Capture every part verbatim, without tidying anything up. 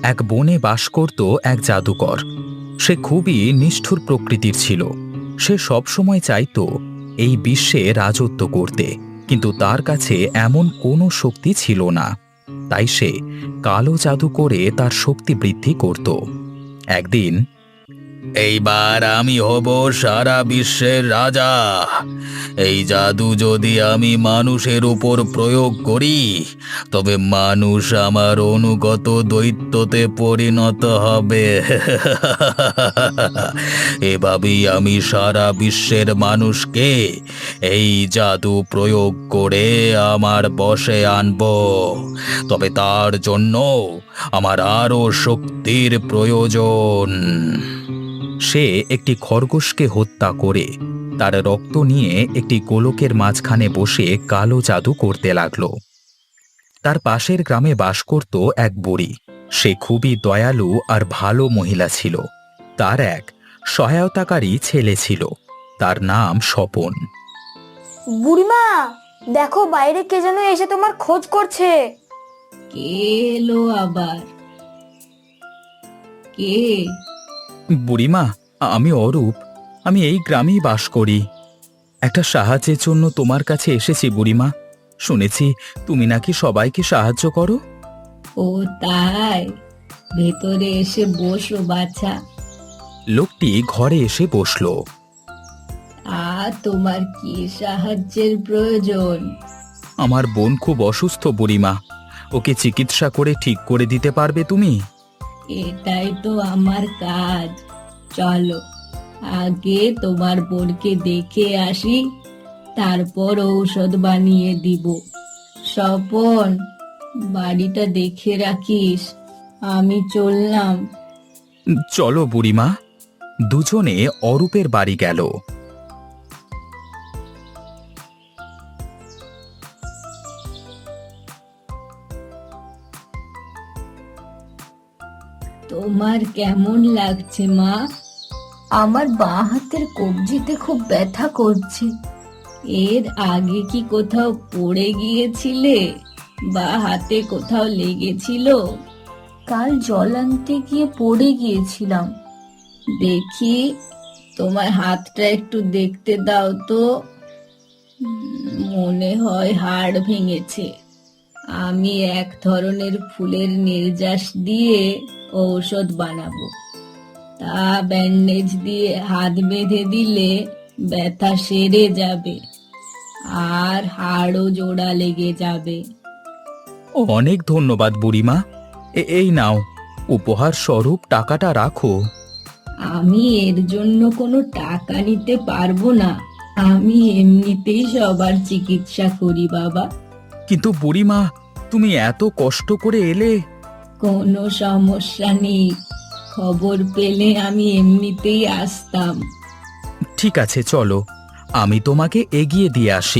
এক বনে বাস করত এক জাদুকর। সে খুবই নিষ্ঠুর প্রকৃতির ছিল। সে সবসময় চাইতো এই বিশ্বে রাজত্ব করতে, কিন্তু তার কাছে এমন কোনো শক্তি ছিল না। তাই সে কালো জাদু করে তার শক্তি বৃদ্ধি করত। একদিন, এইবার আমি হব সারা বিশ্বের রাজা। এই জাদু যদি আমি মানুষের উপর প্রয়োগ করি, তবে মানুষ আমার অনুগত দৈত্যতে পরিণত হবে। এভাবেই আমি সারা বিশ্বের মানুষকে এই জাদু প্রয়োগ করে আমার বশে আনব। তবে তার জন্য আমার আরো শক্তির প্রয়োজন। সে একটি খরগোশকে হত্যা করে তার রক্ত নিয়ে একটি গোলকের মাঝখানে বসে কালো জাদু করতে লাগল। তার পাশের গ্রামে বাস করত এক বুড়ি। সে খুবই দয়ালু আর ভালো মহিলা ছিল। তার এক সহায়তাকারী ছেলে ছিল, তার নাম স্বপন। বুড়িমা, দেখো বাইরে কে যেন এসে তোমার খোঁজ করছে। কে এলো আবার? কে? বুড়িমা, আমি অরূপ। আমি এই গ্রামেই বাস করি। একটা সাহায্যের জন্য তোমার কাছে এসেছি বুড়িমা। শুনেছি তুমি নাকি সবাইকে সাহায্য করো। ও তাই? ভেতরে এসে বসো বাছা। লোকটি ঘরে এসে বসলো। আর তোমার কি সাহায্যের প্রয়োজন? আমার বোন খুব অসুস্থ বুড়িমা, ওকে চিকিৎসা করে ঠিক করে দিতে পারবে তুমি? এটাই তো আমার কাজ। চলো আগে তোমার বোনকে দেখে আসি, তারপর ঔষধ বানিয়ে দিব। স্বপন, বাড়িটা দেখে রাখিস। আমি চললাম। চলো বুড়িমা। দুজনে অরূপের বাড়ি গেল। তোমার কেমন লাগছে মা? আমার বাঁ হাতের কবজিতে খুব ব্যথা করছে। এর আগে কি কোথাও পড়ে গিয়েছিলে বা হাতে কোথাও লেগেছিল? কাল জল আনতে গিয়ে পড়ে গিয়েছিলাম। দেখি তোমার হাতটা একটু দেখতে দাও তো। উম, মনে হয় হাড় ভেঙেছে। আমি এক ধরনের ফুলের নির্যাস দিয়ে ঔষধ বানাবো। তা ব্যান্ডেজ দিয়ে হাত বেঁধে দিলে ব্যথা সেরে যাবে আর হাড়ও জোড়া লেগে যাবে। অনেক ধন্যবাদ বুড়িমা। এ- এই নাও, উপহার স্বরূপ টাকাটা রাখো। আমি এর জন্য কোনো টাকা নিতে পারবো না। আমি এমনিতেই সবার চিকিৎসা করি বাবা। কিন্তু বুড়িমা, তুমি এত কষ্ট করে এলে। কোনো সমস্যা নেই, খবর পেলে আমি এমনিতেই আসতাম। ঠিক আছে, চলো, আমি তোমাকে এগিয়ে দিয়ে আসি।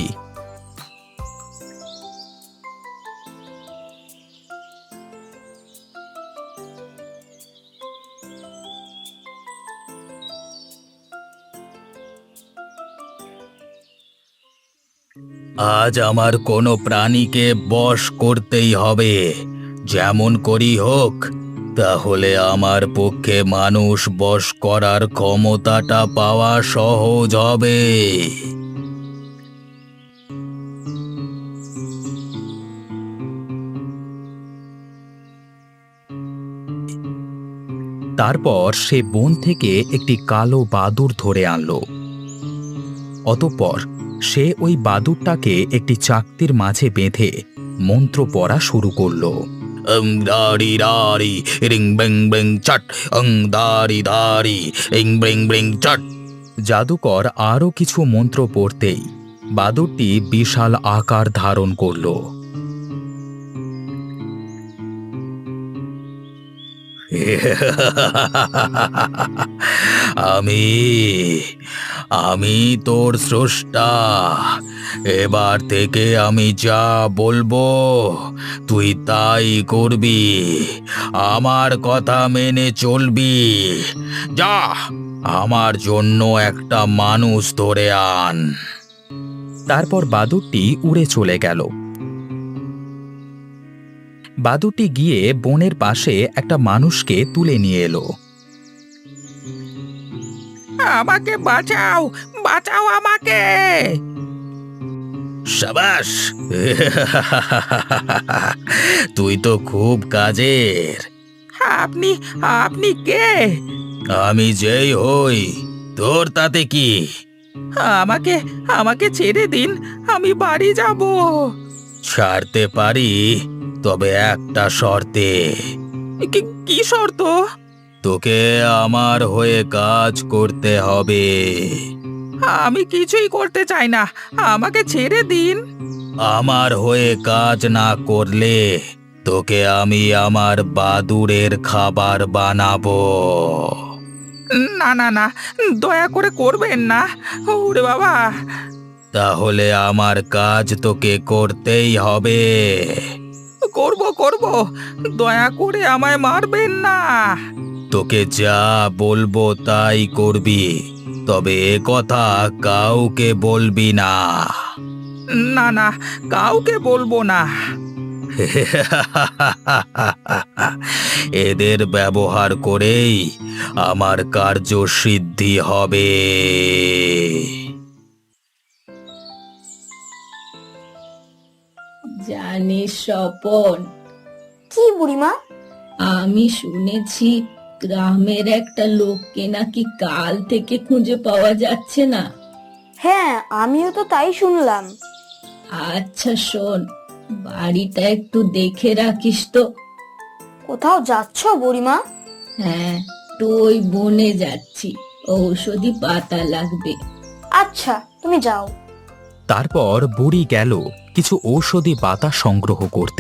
আজ আমার কোনো প্রাণীকে বশ করতেই হবে, যেমন করি হোক। তাহলে আমার পক্ষে মানুষ বশ করার ক্ষমতাটা পাওয়া সহজ হবে। তারপর সে বন থেকে একটি কালো বাদুড় ধরে আনলো। অতঃপর সে ওই বাদুড়টাকে একটি চাকতির মাঝে বেঁধে মন্ত্র পড়া শুরু করলো। অং দারি দারি রিং বিং বিং চট, অং দারি দারি রিং বিং বিং চট। জাদুকর আরো কিছু মন্ত্র পড়তেই বাদুড়টি বিশাল আকার ধারণ করলো। আমি আমি তোর স্রষ্টা। এবার থেকে আমি যা বলবো তুই তাই করবি। আমার কথা মেনে চলবি। যা, আমার জন্য একটা মানুষ ধরে আন। তারপর বাদুড়টি উড়ে চলে গেল। বাদুটি গিয়ে বনের পাশে একটা মানুষকে তুলে নিয়ে এলো। আমাকে বাঁচাও, বাঁচাও আমাকে! সাবাস! তুই তো খুব কাজের। আপনি আপনি কে? আমি যেই হই, তোর তাতে কি? আমাকে আমাকে ছেড়ে দিন, আমি বাড়ি যাব। ছাড়তে পারি, তবে একটা শর্তে। কি শর্ত? তোকে আমার হয়ে কাজ করতে হবে। আমি কিছুই করতে চাই না, আমাকে ছেড়ে দিন। আমার হয়ে কাজ না করলে তোকে আমি আমার বাদুড়ের খাবার বানাবো। না না না, দয়া করে করবেন না। ওরে বাবা! তাহলে আমার কাজ তোকে করতেই হবে। করব করব, দয়া করে আমায় মারবেন না। তোকে যা বলবো তাই করবি, তবে এ কথা কাউকে বলবি না। না না, কাউকে বলবো না। এদের ব্যবহার করেই আমার কার্যসিদ্ধি হবে। জানিস স্বপন, কি বুড়িমা? আমি শুনেছি গ্রামের একটা লোককে নাকি কাল থেকে খুঁজে পাওয়া যাচ্ছে না। হ্যাঁ, আমিও তো তাই শুনলাম। আচ্ছা শোন, বাড়িটা একটু দেখে রাখিস তো। কোথাও যাচ্ছ বুড়িমা? হ্যাঁ, তো ওই বনে যাচ্ছি, ঔষধি পাতা লাগবে। আচ্ছা, তুমি যাও। তারপর বুড়ি গেল কিছু ঔষধি পাতা সংগ্রহ করতে।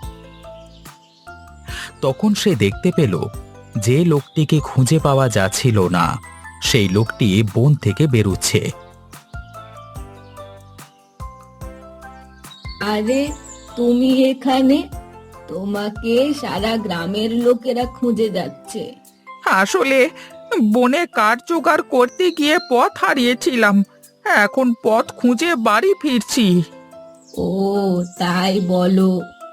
তখন সে দেখতে পেল যে লোকটিকে খুঁজে পাওয়া যাচ্ছিল না, সেই লোকটি বন থেকে বেরুচ্ছে। আরে তুমি এখানে? তোমাকে সারা গ্রামের লোকেরা খুঁজে যাচ্ছে। আসলে বনে কাঠ জোগাড় করতে গিয়ে পথ হারিয়েছিলাম, এখন পথ খুঁজে বাড়ি ফিরছি। ও তাই বলো।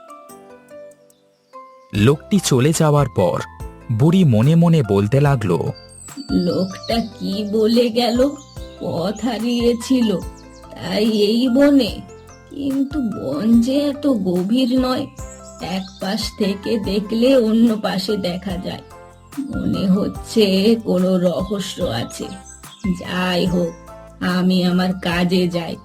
লোকটি চলে যাওয়ার পর বুড়ি মনে মনে বলতে লাগলো, লোকটা কি বলে গেল? পথ হারিয়েছিল, তাই এই বনে? কিন্তু বন যে এত গভীর নয়, এক পাশ থেকে দেখলে অন্য পাশে দেখা যায়। মনে হচ্ছে কোনো রহস্য আছে। যাই হোক, আমি আমার কাজে যাই।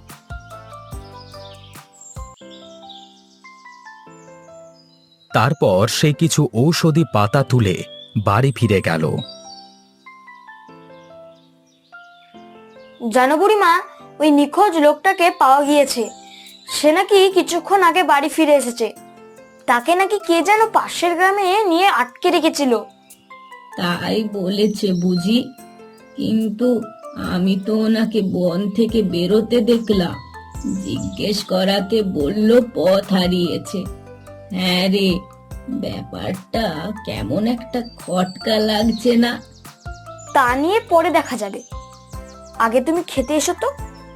তারপর সে কিছু ঔষধি পাতা তুলে বাড়ি ফিরে গেল। জানো বুড়িমা, ওই নিখোঁজ লোকটাকে পাওয়া গিয়েছে। সে নাকি কিছুক্ষণ আগে বাড়ি ফিরে এসেছে। তাকে নাকি কে যেন পাশের গ্রামে নিয়ে আটকে রেখেছিল। তাই বলেছে বুঝি, কিন্তু আমি তো ওনাকে বন থেকে বেরোতে দেখলাম। জিজ্ঞেস করাতে বলল পথ হারিয়েছে। হ্যাঁ রে, ব্যাপারটা কেমন একটা খটকা লাগছে না? তা নিয়ে পরে দেখা যাবে, আগে তুমি খেতে এসো তো।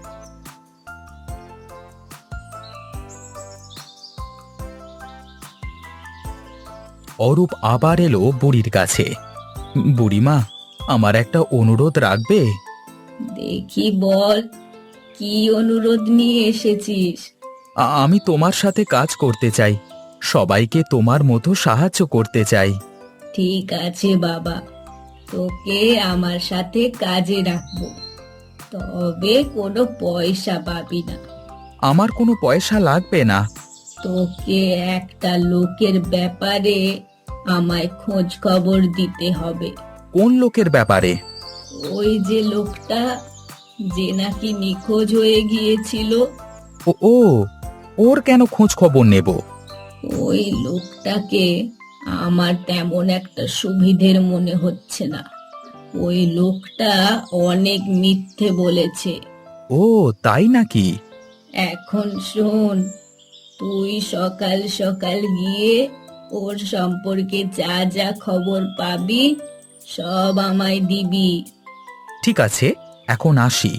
অরূপ আবার এলো বুড়ির কাছে। বুড়িমা, আমার একটা অনুরোধ রাখবে? দেখি বল, কি অনুরোধ নিয়ে এসেছিস? আ- আমি তোমার সাথে কাজ করতে চাই, সবাইকে তোমার মতো সাহায্য করতে চাই। ঠিক আছে বাবা, তোকে আমার সাথে কাজে রাখবো, তবে কোনো পয়সা পাবি না। আমার কোনো পয়সা লাগবে না। তোকে একটা লোকের ব্যাপারে আমায় খোঁজ খবর দিতে হবে। কোন লোকের ব্যাপারে? ওই যে লোকটা, যে নাকি নিখোঁজ হয়ে গিয়েছিল। ও ও ওর কেন খোঁজ খবর নেব? ওই লোকটাকে আমার তেমন একটা সুবিধের মনে হচ্ছে না। ওই লোকটা অনেক মিথ্যে বলেছে। ও তাই নাকি? এখন শোন, তুই সকাল সকাল গিয়ে ওর সম্পর্কে যা যা খবর পাবি সব আমায় দিবি। ঠিক আছে, এখন আসি।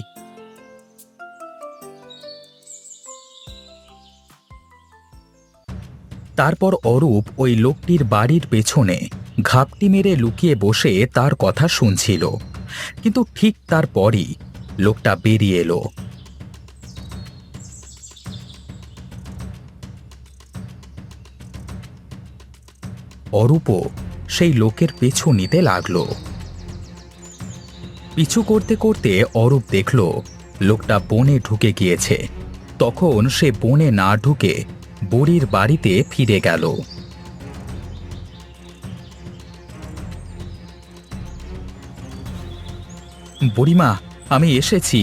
তারপর অরূপ ওই লোকটির বাড়ির পেছনে ঘাপটি মেরে লুকিয়ে বসে তার কথা শুনছিল। কিন্তু ঠিক তারপরই লোকটা বেরিয়ে এলো। অরূপও সেই লোকের পিছু নিতে লাগলো। পিছু করতে করতে অরূপ দেখল লোকটা বনে ঢুকে গিয়েছে। তখন সে বনে না ঢুকে বুড়ির বাড়িতে ফিরে গেল। বুড়িমা, আমি এসেছি।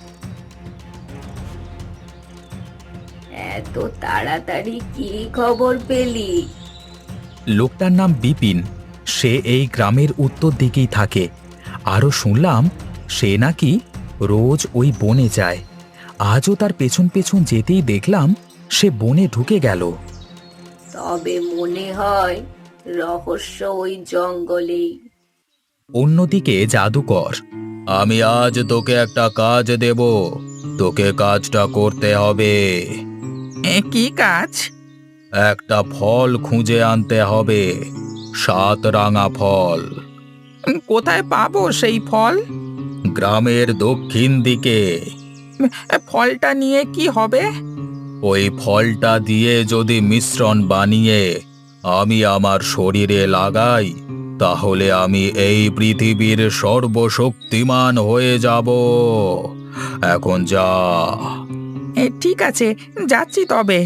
এত তাড়াতাড়ি কি খবর পেলি? লোকটার নাম বিপিন। সে এই গ্রামের উত্তর দিকেই থাকে। আরও শুনলাম সে নাকি রোজ ওই বনে যায়। আজও তার পেছন পেছন যেতেই দেখলাম সে বনে ঢুকে গেল। তবে মনে হয় রহস্য ওই জঙ্গলেই। অন্যদিকে জাদুকর, আমি আজ তোকে একটা কাজ দেব। তোকে কাজটা করতে হবে। এ কি কাজ? একটা ফল খুঁজে আনতে হবে, সাত রাঙা ফল। উম, কোথায় পাবো সেই ফল? গ্রামের দক্ষিণ দিকে। এ, ফলটা নিয়ে কি হবে? ওই ফলটা দিয়ে যদি মিশ্রণ বানিয়ে আমি আমার শরীরে লাগাই, তাহলে আমি এই পৃথিবীর সর্বশক্তিমান হয়ে যাব। এখন যা। এ, ঠিক আছে, যাচ্ছি তবে।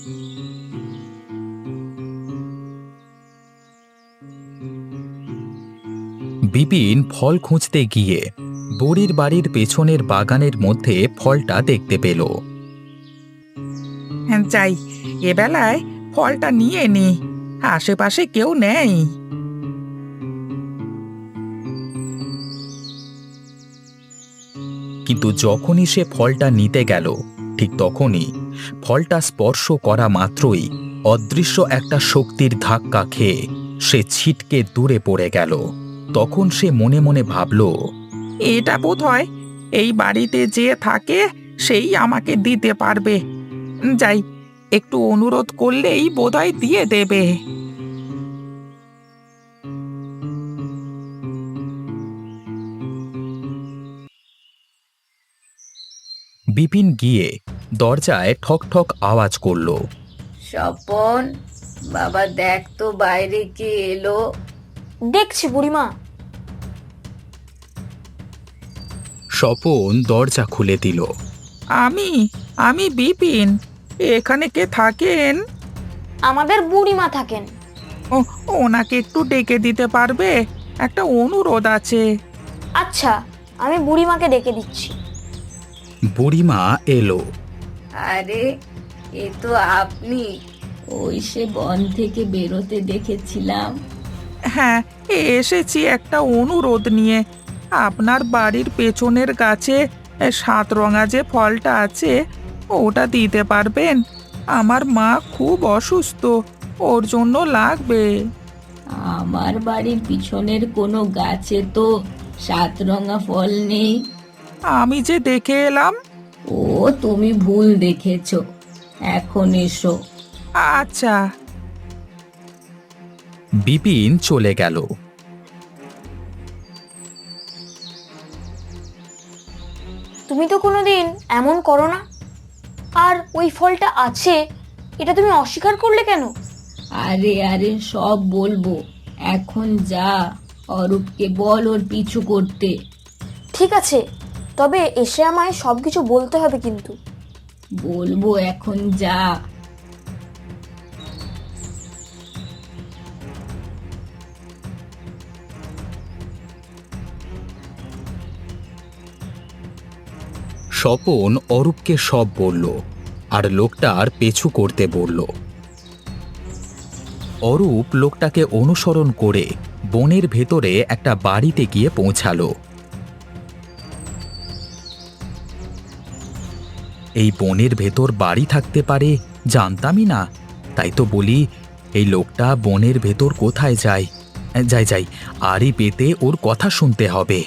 বিপিন ফল খুঁজতে গিয়ে বুড়ির বাড়ির পেছনের বাগানের মধ্যে ফলটা দেখতে পেল। হ্যাঁ, যাই, এবেলায় ফলটা নিয়ে নি। আশেপাশে কেউ নেই। কিন্তু যখনই সে ফলটা নিতে গেল, ঠিক তখনই ফলটা স্পর্শ করা মাত্রই অদৃশ্য একটা শক্তির ধাক্কা খেয়ে সে ছিটকে দূরে পড়ে গেল। তখন সে মনে মনে ভাবল, এটা বোধ হয় এই বাড়িতে যে থাকে সেই আমাকে দিতে পারবে। যাই, একটু অনুরোধ করলেই বোধহয় দিয়ে দেবে। বিপিন গিয়ে দরজায় ঠক ঠক আওয়াজ করল। স্বপন, বাবা দেখ তো বাইরে কে এলো। দেখছি বুড়িমা। স্বপন দরজা খুলে দিল। আমি আমি বিপিন। এখানে কে থাকেন? আমাদের বুড়িমা থাকেন। ও, ওনাকে একটু ডেকে দিতে পারবে? একটা অনুরোধ আছে। আচ্ছা, আমি বুড়িমাকে ডেকে দিচ্ছি। বুড়িমা এলো। আরে, এ তো আপনি। ওই সে বন থেকে বেরোতে দেখেছিলাম। হ্যাঁ, এসেছি একটা অনুরোধ নিয়ে। আপনার বাড়ির পেছনের গাছে এ, সাত রঙা যে ফলটা আছে ওটা দিতে পারবেন? আমার মা খুব অসুস্থ, ওর জন্য লাগবে। আমার বাড়ির পিছনের কোনো গাছে তো সাত রঙা ফল নেই। আমি যে দেখে এলাম। ও, তুমি ভুল দেখেছো। এখন এসো। আচ্ছা। বিপিন চলে গেল। তুমি তো কোনোদিন এমন করো না। আর ওই ফলটা আছে, এটা তুমি অস্বীকার করলে কেন? আরে আরে, সব বলবো। এখন যা, অরূপকে বল ওর পিছু করতে। ঠিক আছে, তবে এসে আমায় সবকিছু বলতে হবে কিন্তু। বলবো, এখন যা। স্বপন অরূপকে সব বলল আর লোকটার পেছু করতে বলল। অরূপ লোকটাকে অনুসরণ করে বনের ভেতরে একটা বাড়িতে গিয়ে পৌঁছালো। এই বনের ভেতর বাড়ি থাকতে পারে জানতামই না। তাই তো বলি, এই লোকটা বনের ভেতর কোথায় যায়। যাই যাই, আরই পেতে ওর কথা শুনতে হবে।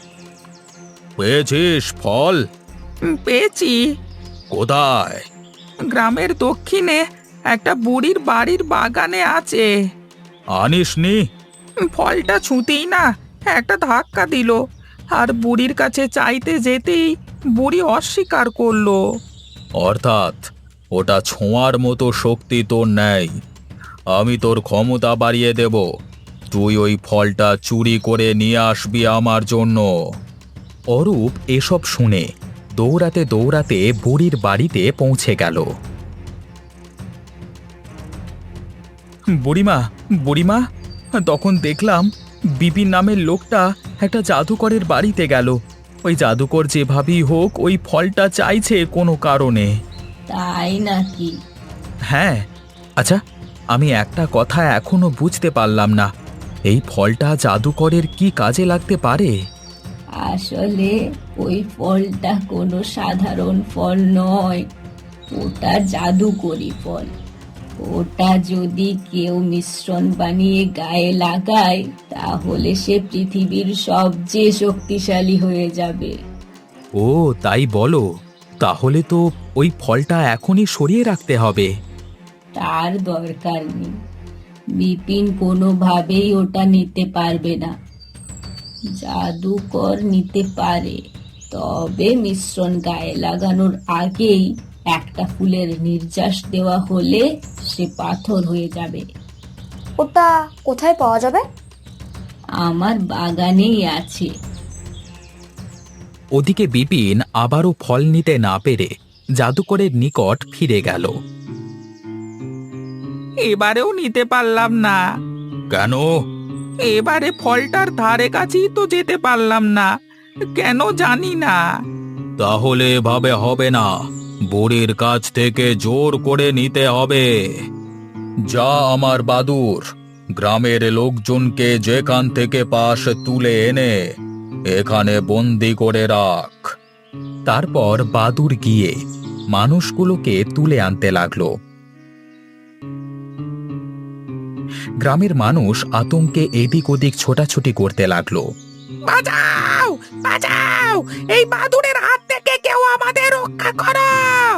পেয়েছিস ফল? উম, পেয়েছি। কোথায়? গ্রামের দক্ষিণে একটা বুড়ির বাড়ির বাগানে আছে। আনিসনি? ফলটা ছুঁতেই না একটা ধাক্কা দিল, আর বুড়ির কাছে চাইতে যেতেই বুড়ি অস্বীকার করলো। অর্থাৎ ওটা ছোঁয়ার মতো শক্তি তোর নেই। আমি তোর ক্ষমতা বাড়িয়ে দেব, তুই ওই ফলটা চুরি করে নিয়ে আসবি আমার জন্য। অরূপ এসব শুনে দৌড়াতে দৌড়াতে বুড়ির বাড়িতে পৌঁছে গেল। বুড়িমা, বুড়িমা, তখন দেখলাম বিপিন নামের লোকটা একটা জাদুকরের বাড়িতে গেল। ওই জাদুকর যেভাবেই হোক ওই ফলটা চাইছে কোনো কারণে। তাই নাকি? হ্যাঁ। আচ্ছা, আমি একটা কথা এখনো বুঝতে পারলাম না, এই ফলটা জাদুকরের কি কাজে লাগতে পারে? আসলে ওই ফলটা কোনো সাধারণ ফল নয়, ওটা জাদুকরি ফল। ওটা যদি কেউ মিশ্রণ বানিয়ে গায়ে লাগায় তাহলে সে পৃথিবীর সবচেয়ে শক্তিশালী হয়ে যাবে। ও তাই বলো? তাহলে তো ওই ফলটা এখনই সরিয়ে রাখতে হবে। তার দরকার নেই, বিপিন কোনোভাবেই ওটা নিতে পারবে না। জাদুকর নিতে পারে, তবে মিশ্রণ গায়ে লাগানোর আগেই একটা ফুলের নির্যাস দেওয়া হলে সে পাথর হয়ে যাবে। ওটা কোথায় পাওয়া যাবে? আমার বাগানেই আছে। ওদিকে বিপিন আবারও ফল নিতে না পেরে জাদুকরের নিকট ফিরে গেল। এবারেও নিতে পারলাম না। কেন? এবারে ফলটার ধারে কাছেই তো যেতে পারলাম না, কেন জানি না। তাহলে এভাবে হবে না, বুড়ির কাছ থেকে জোর করে নিতে হবে। যা আমার বাদুর, গ্রামের লোকজনকে যেখান থেকে পাস তুলে এনে এখানে বন্দি করে রাখ। তারপর বাদুর গিয়ে মানুষগুলোকে তুলে আনতে লাগলো। গ্রামের মানুষ আতঙ্কে এদিক ওদিক ছোটাছুটি করতে লাগলো। বাঁচাও, বাঁচাও, এই বাদুড়ের হাত থেকে কেউ আমাদের রক্ষা করো।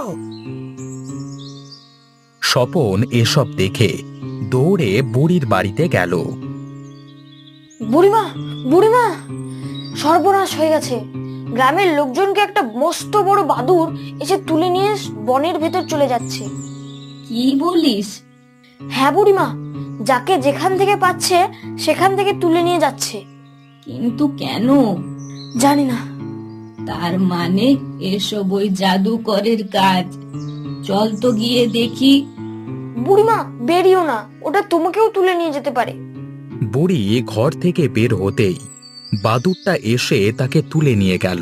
স্বপন এসব দেখে দৌড়ে বুড়ির বাড়িতে গেল। বুড়িমা, বুড়িমা, সর্বনাশ হয়ে গেছে। গ্রামের লোকজনকে একটা মস্ত বড় বাদুর এসে তুলে নিয়ে বনের ভেতর চলে যাচ্ছে। কি বলিস? হ্যাঁ বুড়িমা, যাকে যেখান থেকে পাচ্ছে সেখান থেকে তুলে নিয়ে যাচ্ছে। কিন্তু কেন? জানি না। তার মানে এসব ওই জাদুকরের কাজ। চল তো গিয়ে দেখি। বুড়িমা, বেরিও না, ওটা তোমাকেও তুলে নিয়ে যেতে পারে। বুড়ি ঘর থেকে বের হতেই বাদুরটা এসে তাকে তুলে নিয়ে গেল।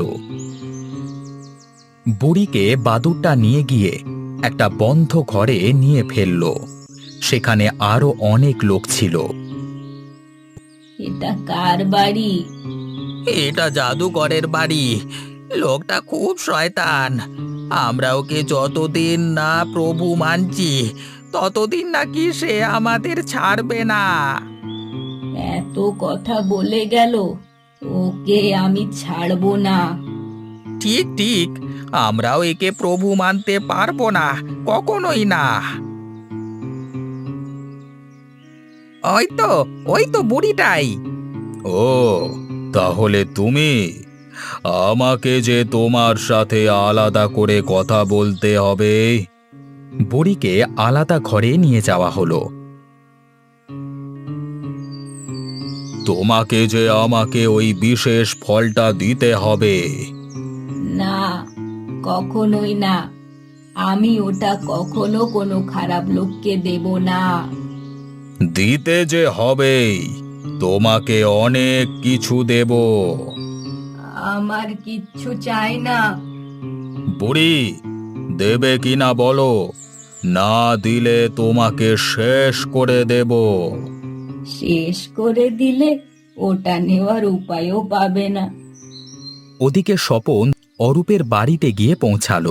বুড়িকে বাদুরটা নিয়ে গিয়ে একটা বন্ধ ঘরে নিয়ে ফেলল। সেখানে আরো অনেক লোক ছিল। এটা কার বাড়ি? এটা জাদুকরের বাড়ি। লোকটা খুব শয়তান। আমরা ওকে যতদিন না প্রভু মানছি ততদিন নাকি সে আমাদের ছাড়বে না। এত কথা বলে গেল, ওকে আমি ছাড়বো না। ঠিক ঠিক, আমরাও একে প্রভু মানতে পারবো না, কখনোই না। ওই তো, ওই তো বুড়িটাই। ও, তাহলে তুমি? আমাকে যে তোমার সাথে আলাদা করে কথা বলতে হবে। বুড়িকে আলাদা ঘরে নিয়ে যাওয়া হলো। তোমাকে যে আমাকে ওই বিশেষ ফলটা দিতে হবে। না, কখনোই না। আমি ওটা কখনো কোনো খারাপ লোককে দেব না। দিতে যে হবেই, তোমাকে অনেক কিছু দেব। আমার কিচ্ছু চাই না। বুড়ি, দেবে কিনা বলো, না দিলে তোমাকে শেষ করে দেব। শেষ করে দিলে ওটা নেওয়ার উপায়ও পাবে না। ওদিকে স্বপন অরূপের বাড়িতে গিয়ে পৌঁছালো।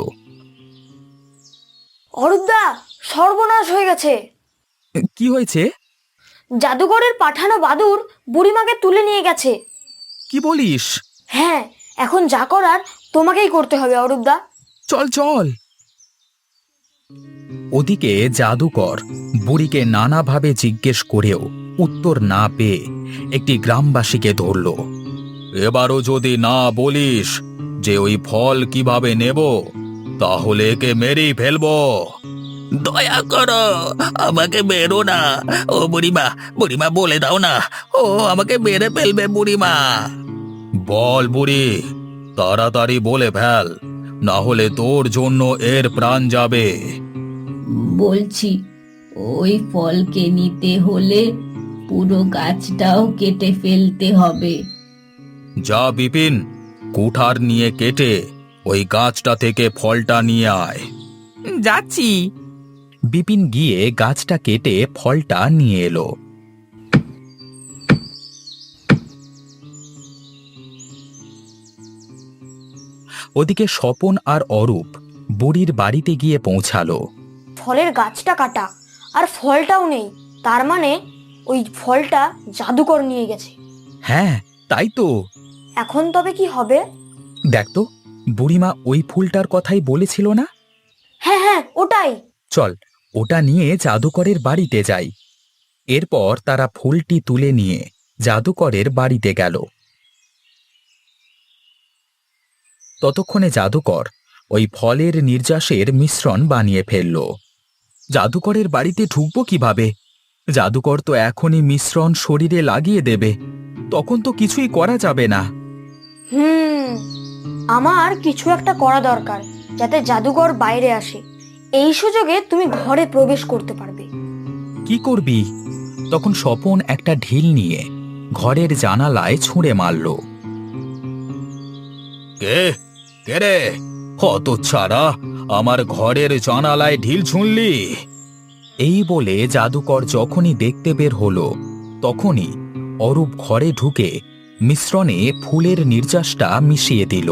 অরূপদা, সর্বনাশ হয়ে গেছে। কি হয়েছে? জাদুকরের পাঠানো বাদুর বুড়িমাকে তুলে নিয়ে গেছে। কি বলিস? হ্যাঁ, এখন যা করার তোমাকেই করতে হবে অরূপদা। চল চল। ওদিকে জাদুকর বুড়িকে নানাভাবে জিজ্ঞেস করেও উত্তর না পেয়ে একটি গ্রামবাসীকে ধরল। এবারও যদি না বলিস যে ওই ফল কিভাবে নেব, তাহলে একে মেরেই ফেলবো। দয়া করো, আমাকে মেরো না। ও বুড়িমা, বুড়িমা বলে দাও না, ও আমাকে মেরে ফেলবে বুড়িমা। বল বুড়ি, তাড়াতাড়ি বলে ফেল, না হলে তোর জন্য এর প্রাণ যাবে। বলছি, ওই ফলকে নিতে হলে পুরো গাছটাও কেটে ফেলতে হবে। যা বিপিন, কুঠার নিয়ে কেটে ওই গাছটা থেকে ফলটা নিয়ে আয়। যাচ্ছি। বিপিন গিয়ে গাছটা কেটে ফলটা নিয়ে এলো। ওদিকে স্বপন আর অরূপ বুড়ির বাড়িতে গিয়ে পৌঁছালো। ফলের গাছটা কাটা আর ফলটাও নেই, তার মানে ওই ফলটা জাদুকর নিয়ে গেছে। হ্যাঁ, তাই তো। এখন তবে কি হবে? দেখ তো, বুড়িমা ওই ফুলটার কথাই বলেছিল না? হ্যাঁ হ্যাঁ, ওটাই। চল, ওটা নিয়ে জাদুকরের বাড়িতে যাই। এরপর তারা ফুলটি তুলে নিয়ে জাদুকরের বাড়িতে গেল। ততক্ষণে জাদুকর ওই ফলের নির্যাসের মিশ্রণ বানিয়ে ফেলল। জাদুকরের বাড়িতে ঢুকবো কিভাবে? জাদুকর তো এখনই মিশ্রণ শরীরে লাগিয়ে দেবে, তখন তো কিছুই করা যাবে না। হুম, আমার কিছু একটা করা দরকার যাতে জাদুকর বাইরে আসে। এই সুযোগে তুমি ঘরে প্রবেশ করতে পারবে। কি করবি? তখন স্বপন একটা ঢিল নিয়ে ঘরের জানালায় ছুঁড়ে মারল। কে কে রে? হতচ্ছাড়া, আমার ঘরের জানালায় ঢিল ছুঁড়লি? এই বলে জাদুকর যখনই দেখতে বের হলো, তখনই অরূপ ঘরে ঢুকে মিশ্রণে ফুলের নির্যাসটা মিশিয়ে দিল।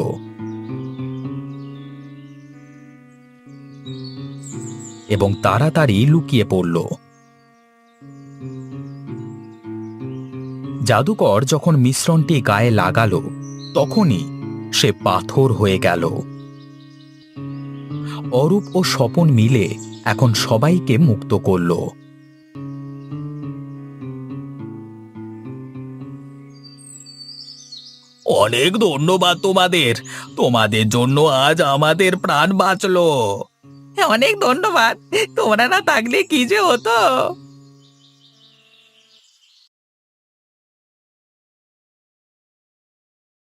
এবং তাড়াতাড়ি লুকিয়ে পড়ল। জাদুকর যখন মিশ্রণটি গায়ে লাগালো, তখনই সে পাথর হয়ে গেল। অরূপ ও স্বপন মিলে এখন সবাইকে মুক্ত করল। অনেক ধন্যবাদ তোমাদের, তোমাদের জন্য আজ আমাদের প্রাণ বাঁচলো। অনেক ধন্যবাদ, তোমরা না থাকলে কি যে হতো।